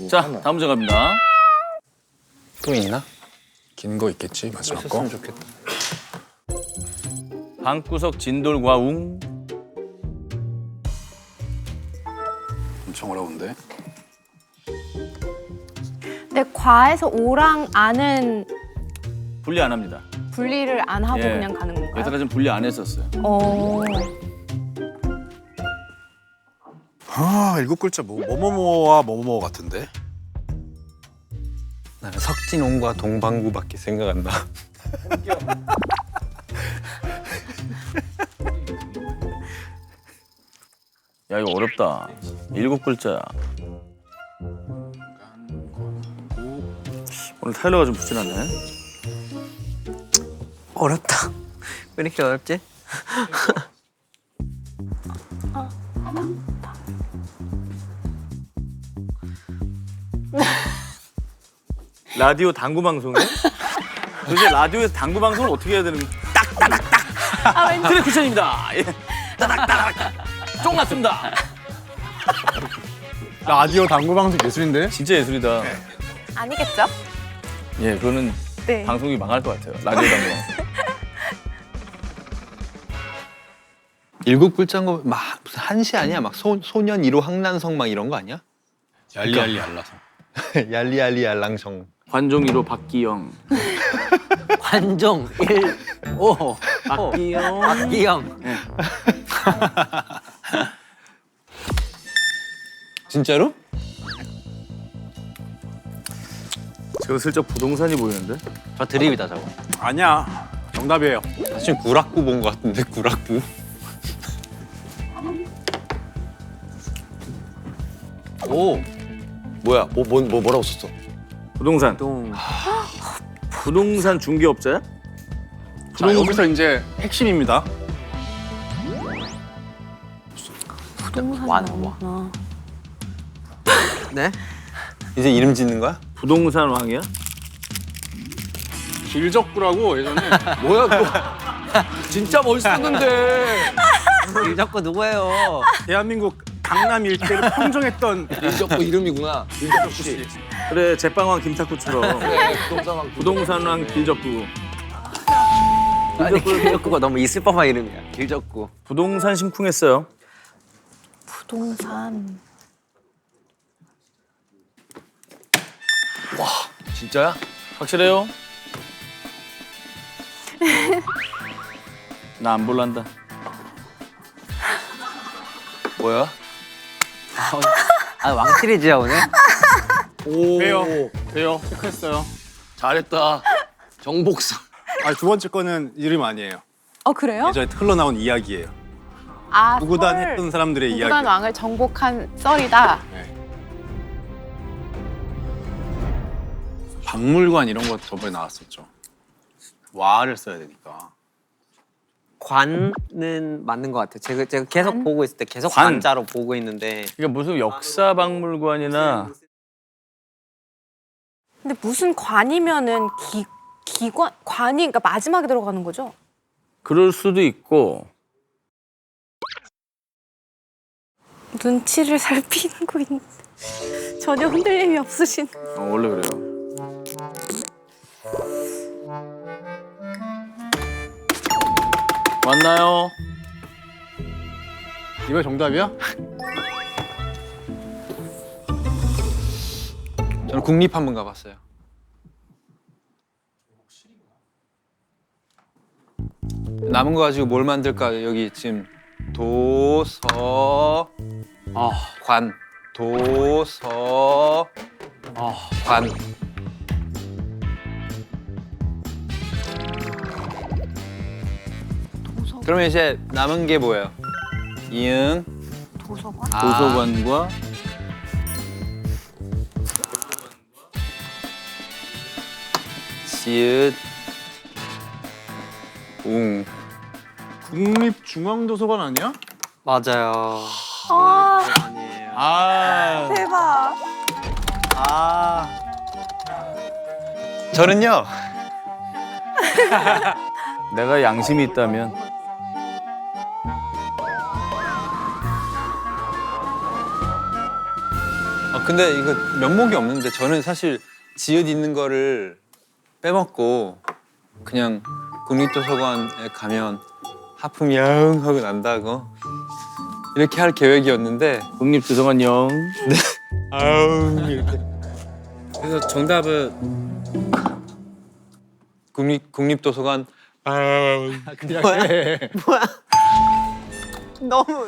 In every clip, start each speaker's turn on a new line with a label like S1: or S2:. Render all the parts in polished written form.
S1: 자, 다음 문제 갑니다.
S2: 또 있나? 긴 거 있겠지 마지막 거.
S3: 했으면 좋겠다.
S1: 방구석 진돌과 웅.
S2: 엄청 어려운데.
S4: 근데 과에서 오랑 안은
S1: 분리 안 합니다.
S4: 분리를 안 하고
S1: 예.
S4: 그냥 가는 건가요?
S1: 여태까지는 분리 안 했었어요.
S2: 아 일곱 글자 뭐뭐뭐와 뭐뭐뭐 같은데.
S3: 나는 석진홍과 동방구밖에 생각 안 나.
S1: 야, 이거 어렵다. 7글자야. 오늘 타일러가 좀 부진하네.
S5: 어렵다. 왜 이렇게 어렵지?
S1: 라디오 당구 방송에? 도대체 라디오에서 당구 방송을 어떻게 해야 되는 거야? 딱따닥딱! 트랙 쿠션입니다. 예. 따닥따닥! 쫑 났습니다.
S2: 라디오 당구 방송 예술인데.
S1: 진짜 예술이다.
S4: 아니겠죠?
S1: 예, 그거는
S4: 네.
S1: 방송이 망할 것 같아요. 라디오 당구 방송.
S3: 7글자인 거 막 무슨 한시 아니야? 막 소년 1호 항난성 막 이런 거 아니야?
S2: 얄리얄리 알라서.
S3: 얄리얄리 알랑성.
S1: 관종 1호 박기영.
S5: 관종 1, 5.
S1: 박기영.
S5: 박기영.
S3: 진짜로?
S1: 제가 슬쩍 부동산이 보이는데?
S5: 저 드립이다 저거.
S2: 아니야. 정답이에요.
S3: 사실 구락구 본 거 같은데 구락구.
S6: 오, 뭐야? 뭐라고 썼어?
S1: 부동산.
S5: 동.
S1: 부동산 중개업자야?
S2: 자 여기서 이제 핵심입니다.
S5: 완. 네?
S3: 이제 이름 짓는 거야?
S1: 부동산 왕이야?
S2: 길적구라고 예전에
S6: 뭐야 그거? 진짜 멋있었는데.
S5: 일적구 누구예요?
S2: 대한민국 강남 일대를 평정했던
S6: 일적구 이름이구나. 일적구 씨.
S1: 그래, 제빵왕 김탁구처럼.
S6: 그래, 부동산
S1: 부동산 왕 길적구.
S5: 아니 길적구가 너무 있을 법한 이름이야. 길적구.
S1: 부동산 심쿵했어요.
S4: 부동산.
S6: 진짜야?
S1: 확실해요? 나 안 볼란다.
S6: 뭐야?
S5: 아 왕실이지야 오늘?
S6: 오.
S2: 돼요. 체크했어요.
S6: 잘했다. 정복사.
S2: 두 번째 거는 이름 아니에요.
S4: 그래요?
S2: 예전에 흘러나온 이야기예요.
S4: 아,
S2: 구구단
S4: 썰.
S2: 했던 사람들의 이야기.
S4: 구구단 왕을 정복한 썰이다.
S2: 박물관 이런 거 저번에 나왔었죠. 와를 써야 되니까.
S5: 관은 맞는 것 같아요. 제가 계속
S4: 관?
S5: 보고 있을 때 계속
S1: 관.
S5: 관자로 보고 있는데
S1: 이게 무슨 역사박물관이나
S4: 근데 무슨 관이면은 기관 관이 그러니까 마지막에 들어가는 거죠?
S1: 그럴 수도 있고
S4: 눈치를 살피고 있는데 전혀 흔들림이 없으신.
S1: 원래 그래요. 왔나요?
S2: 이거 정답이야?
S3: 저는 국립 한번 가봤어요. 남은 거 가지고 뭘 만들까? 여기 지금 도서 관 도서 관 그러면 이제 남은 게 뭐예요? 이응
S4: 도서관?
S1: 도서관과
S3: 지읒 웅
S2: 국립중앙도서관 아니야?
S5: 맞아요.
S4: 아
S5: 아니에요.
S1: 아
S4: 대박.
S3: 저는요
S1: 내가 양심이 있다면
S3: 근데 이거 면목이 없는데 저는 사실 지읒 있는 거를 빼먹고 그냥 국립도서관에 가면 하품 영 하고 난다고 이렇게 할 계획이었는데
S1: 국립도서관 영.
S3: 아우 이렇게. 그래서 정답은 국립도서관 아우 그냥
S5: 너무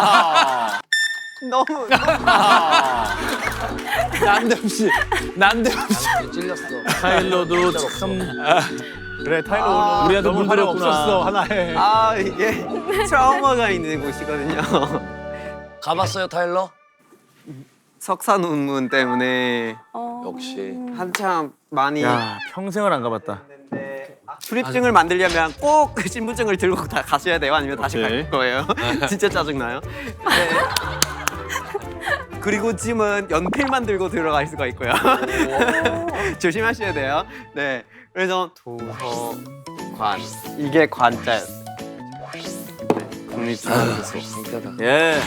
S3: 난데없이
S6: 찔렸어.
S1: 타일러도 참
S3: 그래 타일러
S1: 우리한테
S3: 너무
S1: 물들였구나.
S3: 없었어 하나에.
S5: 아 이게 트라우마가 있는 곳이거든요.
S6: 가봤어요 타일러?
S5: 석사 논문 때문에
S6: 역시.
S5: 한참 많이
S1: 야 평생을 안 가봤다.
S5: 출입증을 만들려면 꼭 그 신분증을 들고 다 가셔야 돼요. 아니면 다시
S3: 오케이.
S5: 갈 거예요. 진짜 짜증나요. 네. 그리고 짐은 연필만 들고 들어갈 수가 있고요. 조심하셔야 돼요. 네. 그래서 도서관 이게 관자였어요.
S1: 국립도서관.
S6: 창피하다.
S1: 예.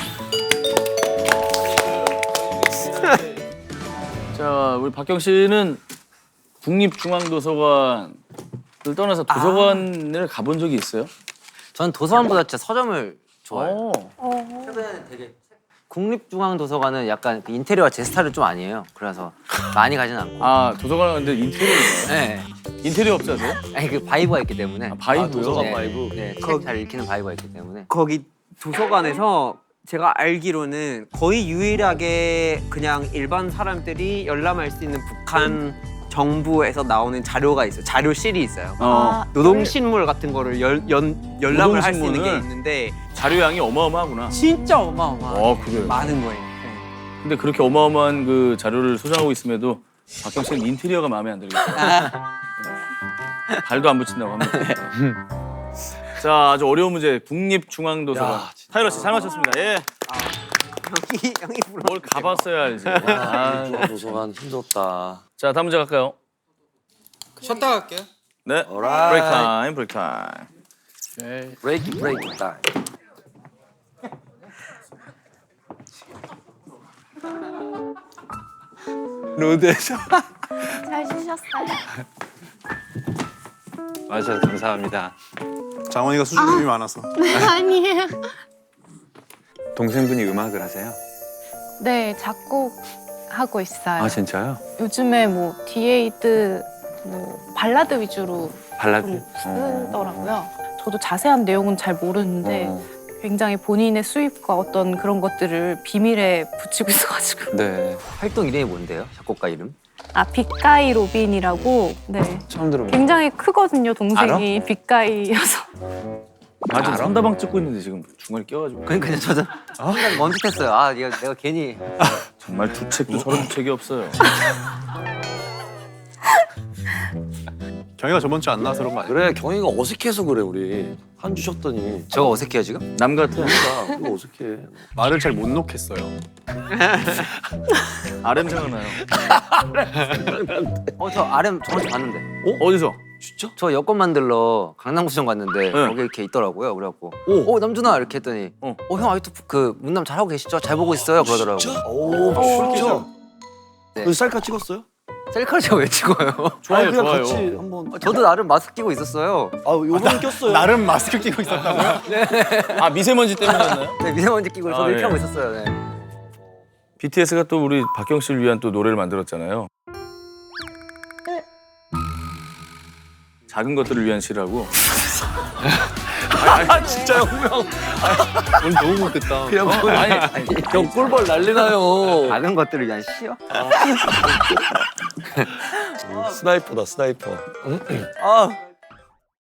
S1: 자, 우리 박경 씨는 국립중앙도서관을 떠나서 도서관을 가본 적이 있어요?
S5: 전 도서관보다 진짜 서점을 좋아해요.
S1: 어.
S5: 최근에는 되게 국립중앙도서관은 약간 그 인테리어가 제 스타일은 좀 아니에요. 그래서 많이 가진 않고.
S1: 아, 도서관 근데 인테리어인가요?
S5: 네.
S1: 인테리어 업자세요?
S5: 아니 그 바이브가 있기 때문에.
S1: 아, 바이브요?
S6: 도서관
S5: 네.
S6: 바이브.
S5: 네. 책 잘 읽히는 바이브가 있기 때문에. 거기 도서관에서 제가 알기로는 거의 유일하게 그냥 일반 사람들이 열람할 수 있는 북한 정부에서 나오는 자료가 있어요. 자료실이 있어요.
S1: 어.
S5: 노동신문 같은 거를 열람을 할 수 있는 게
S1: 노동신문을?
S5: 있는데
S1: 자료량이 어마어마하구나.
S5: 진짜 어마어마해요.
S1: 어, 그래요?
S5: 많은 거예요. 네.
S1: 근데 그렇게 어마어마한 그 자료를 소장하고 있음에도 박경 씨는 인테리어가 마음에 안 들겠다. 발도 안 붙인다고 합니다. 자, 아주 어려운 문제. 국립중앙도서관.
S6: 야, 진짜.
S1: 타일러 씨 잘 맞췄습니다. 예.
S5: 형이 불러.
S1: 뭘 가봤어야 알지. 아.
S6: 도서관 힘들었다.
S1: 자, 다음 문제 갈까요?
S3: 쉬었다 갈게요.
S1: 네.
S6: Alright.
S1: 브레이크 타임, 브레이크 타임.
S6: 브레이크 타임.
S3: 로드에서
S4: 잘 쉬셨어요?
S3: 와주셔서 감사합니다.
S2: 장원이가 수줍음이 많아서.
S4: 아니에요.
S3: 동생분이 음악을 하세요?
S4: 네, 작곡하고 있어요.
S3: 아 진짜요?
S4: 요즘에 뭐 디에이드 뭐 발라드 위주로
S3: 발라드?
S4: 좀 쓰더라고요. 저도 자세한 내용은 잘 모르는데 굉장히 본인의 수입과 어떤 그런 것들을 비밀에 붙이고 있어가지고.
S3: 네.
S5: 활동 이름이 뭔데요? 작곡가 이름?
S4: 아, 빅가이 로빈이라고. 네.
S3: 처음 들어보는.
S4: 굉장히 크거든요, 동생이. 빅가이여서.
S1: 아, 지금 선다방 찍고 있는데 지금 중간에 껴가지고.
S5: 그러니까 저도 순간 멈칫했어요. 아, 내가 괜히
S1: 정말 두 책도 저런 책이 없어요.
S2: 경희가 저번 주에 안 나와서 그런 거 아니야?
S6: 그래 경희가 어색해서 그래 우리 한 주 쉬었더니.
S5: 저가 어색해요 지금?
S1: 남 같아.
S6: 그거 어색해.
S2: 말을 잘 못 놓겠어요.
S1: RM 생각나요.
S5: 저 RM 저번주 봤는데.
S1: 어디서?
S6: 진짜?
S5: 저 여권 만들러 강남구청 갔는데
S1: 네.
S5: 거기 이렇게 있더라고요. 그래갖고
S6: 오.
S5: 남준아 이렇게 했더니 형 아직도 그 문남 잘하고 계시죠? 잘 보고 있어요 그러더라고.
S6: 진짜? 오 진짜?
S5: 네.
S6: 그 셀카 찍었어요?
S5: 셀카를 제가 왜 찍어요?
S1: 좋아요,
S6: 그냥
S1: 좋아요.
S6: 같이 한번.
S5: 저도 나름 마스크 끼고 있었어요.
S6: 아 요번에 꼈어요.
S2: 나름 마스크 끼고 있었다고요?
S1: 아, 미세먼지 때문이었나요?
S5: 네, 미세먼지 끼고 저도
S1: 아,
S5: 이렇게
S1: 예.
S5: 하고 있었어요. 네.
S1: BTS가 또 우리 박경 씨를 위한 또 노래를 만들었잖아요. 작은 것들을 위한 시라고.
S6: 아 진짜요 분명.
S3: 오늘 너무 못했다.
S6: 그냥 뭐
S1: 아니,
S6: 형 꿀벌 난리나요.
S5: 작은 것들을 위한 시요?
S6: 스나이퍼다 스나이퍼.
S5: 아